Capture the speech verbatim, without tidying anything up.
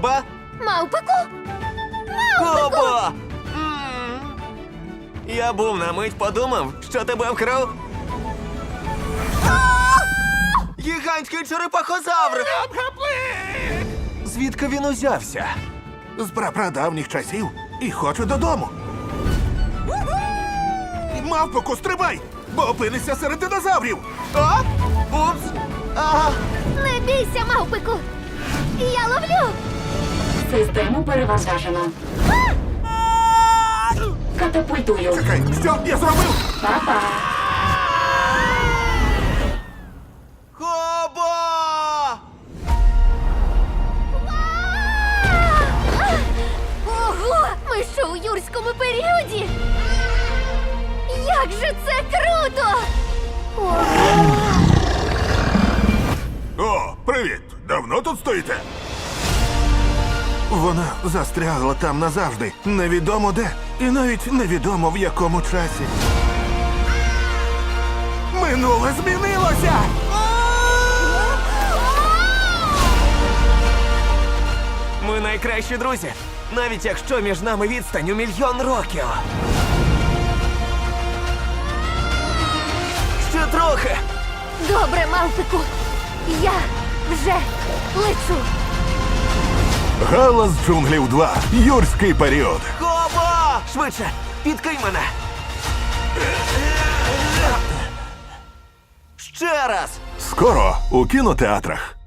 Коба? Мавпику? Коба! М. Я був на мить подумав, що тебе вкрав. Гігантський черепахозавр! Звідки він узявся? З прапрадавніх часів і хочу додому. Мавпоку, стрибай, бо опинишся серед динозаврів. А? Упс! Ага! Не бійся, мавпику! Я ловлю! Систему перевантажено. Катапультую. Чекай, що я зробив? Па-па. Коба! Ого! Ми що у юрському періоді? Як же це круто! Ого! О, привіт! Давно тут стоїте? Вона застрягла там назавжди. Невідомо де. І навіть невідомо в якому часі. Минуле змінилося! Ми найкращі друзі, навіть якщо між нами відстань у мільйон років. Ще трохи. Добре, мавпику! Я вже лечу! Галас джунглів два. Юрський період. Коба! Швидше, підкинь мене. Ще раз. Скоро у кінотеатрах.